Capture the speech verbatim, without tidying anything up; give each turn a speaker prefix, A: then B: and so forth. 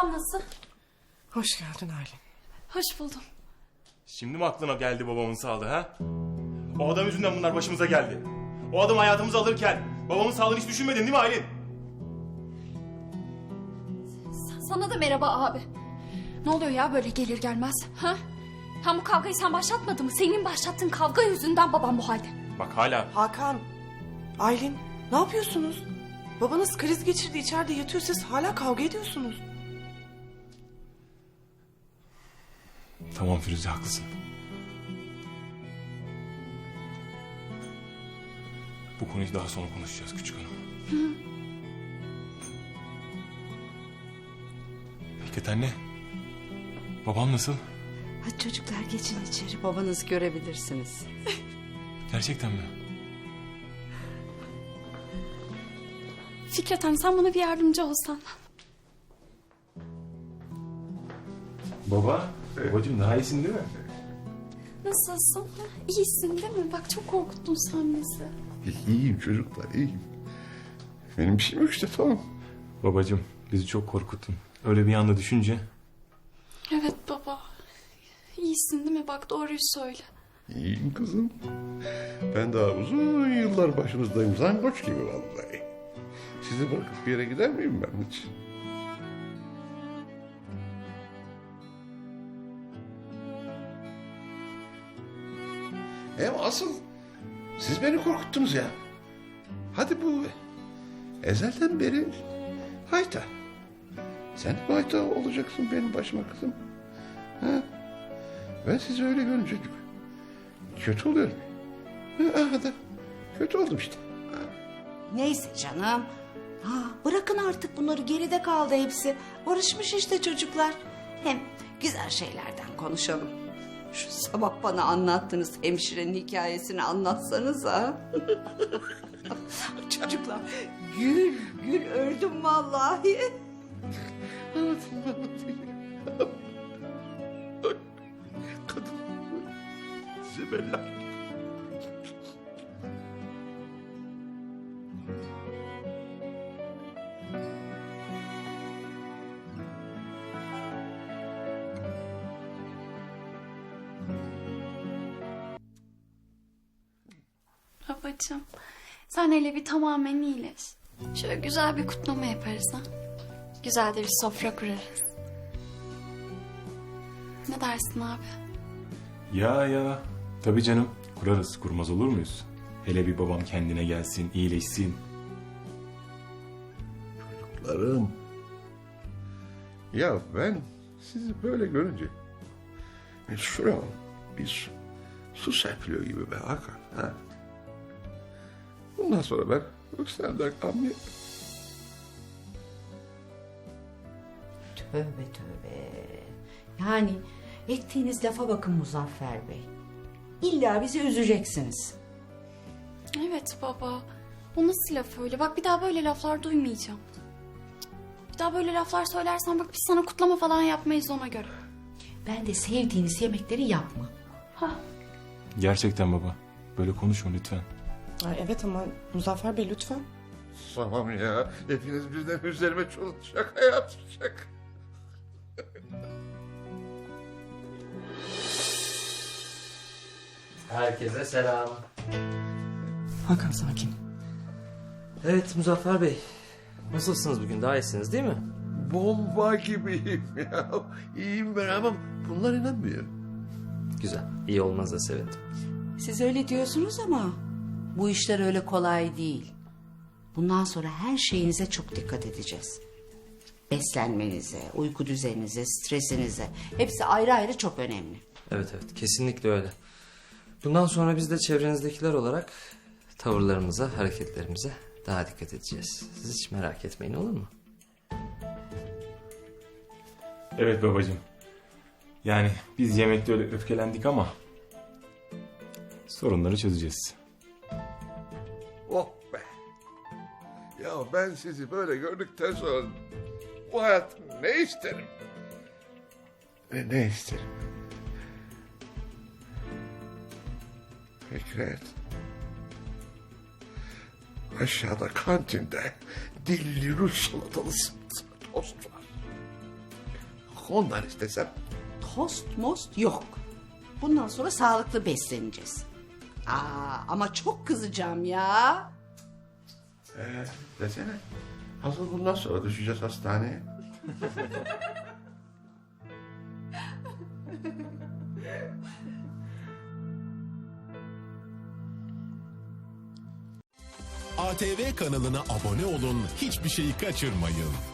A: babam nasıl?
B: Hoş geldin Aylin.
A: Hoş buldum.
C: Şimdi mi aklına geldi babamın sağlığı ha? O adam yüzünden bunlar başımıza geldi. O adam hayatımızı alırken babamın sağlığını hiç düşünmedin değil mi Aylin?
A: Sana da merhaba abi. Ne oluyor ya böyle gelir gelmez? Ha? Hem bu kavgayı sen başlatmadın mı? Senin başlattığın kavga yüzünden babam bu halde.
C: Bak hala.
B: Hakan, Aylin ne yapıyorsunuz? Babanız kriz geçirdi, içeride yatıyor, siz hala kavga ediyorsunuz.
C: Tamam Firuze, haklısın. Bu konuyu daha sonra konuşacağız küçük hanım. Hı. Fikret anne. Babam nasıl?
D: Hadi çocuklar geçin içeri, babanızı görebilirsiniz.
C: Gerçekten mi?
A: Fikret Hanım sen bana bir yardımcı olsan.
C: Baba, babacığım daha iyisin değil mi?
A: Nasılsın? Ha? İyisin değil mi? Bak çok korkuttun sen bizi.
E: İyiyim çocuklar, iyiyim. Benim bir şeyim yok işte, tamam.
C: Babacığım bizi çok korkuttun. Öyle bir anda düşünce.
A: Evet baba. İyisin değil mi? Bak doğruyu söyle.
E: İyiyim kızım. Ben daha uzun yıllar başınızdayım. Zangoç gibi vallahi. Sizi bırakıp bir yere gider miyim ben hiç? Hem asıl siz beni korkuttunuz ya. Hadi bu ezelden beri hayta. Sen de hayta olacaksın benim başıma kızım. Ha? Ben sizi öyle görünce kötü oluyorum. Ha, da kötü oldum işte. Ha.
D: Neyse canım. Ha, bırakın artık bunları, geride kaldı hepsi. Barışmış işte çocuklar. Hem güzel şeylerden konuşalım. Şu sabah bana anlattığınız hemşirenin hikayesini anlatsanıza. Çocuklar gül gül öldüm vallahi.
E: Anlatayım, anlatayım. Kadın zibellah.
A: Babacığım sen hele bir tamamen iyileş. Şöyle güzel bir kutlama yaparız ha. Güzel de bir sofra kurarız. Ne dersin abi?
C: Ya ya. Tabii canım. Kurarız. Kurmaz olur muyuz? Hele bir babam kendine gelsin, iyileşsin.
E: Çocuklarım. Ya ben sizi böyle görünce e, şuram bir su, su serpiliyor gibi be Hakan. Ha? Bundan sonra ben Yüksel'den kalmayayım.
D: Tövbe tövbe. Yani ettiğiniz lafa bakın Muzaffer Bey. İlla bizi üzeceksiniz.
A: Evet baba. O nasıl laf öyle? Bak bir daha böyle laflar duymayacağım. Bir daha böyle laflar söylersen bak biz sana kutlama falan yapmayız ona göre.
D: Ben de sevdiğiniz yemekleri yapma.
A: Ha.
C: Gerçekten baba. Böyle konuşma lütfen.
B: Ay, evet ama Muzaffer Bey lütfen.
E: Tamam ya. Hepiniz birden üzerime çok şaka yapacak.
F: Herkese selam.
B: Hakan sakin.
F: Evet Muzaffer Bey. Nasılsınız bugün? Daha iyisiniz değil mi?
E: Bomba gibiyim ya. İyiyim ben ama bunlar inanmıyor.
F: Güzel. İyi olmanıza sevindim.
D: Siz öyle diyorsunuz ama bu işler öyle kolay değil. Bundan sonra her şeyinize çok dikkat edeceğiz. Beslenmenize, uyku düzeninize, stresinize. Hepsi ayrı ayrı çok önemli.
F: Evet evet. Kesinlikle öyle. Bundan sonra biz de çevrenizdekiler olarak tavırlarımıza, hareketlerimize daha dikkat edeceğiz. Siz hiç merak etmeyin, olur mu?
C: Evet babacığım. Yani biz yemekte öyle öfkelendik ama sorunları çözeceğiz.
E: Oh be. Ya ben sizi böyle gördükten sonra bu hayat ne isterim? Ve ne isterim? Fikret. Aşağıda kantinde dilli Rus salatalısı tost var. ondan istesem.
D: Tost most yok. Bundan sonra sağlıklı besleneceğiz. Aa, ama çok kızacağım ya.
E: Ee, desene. Hazır bundan sonra düşeceğiz hastaneye.
G: A T V kanalına abone olun, hiçbir şeyi kaçırmayın.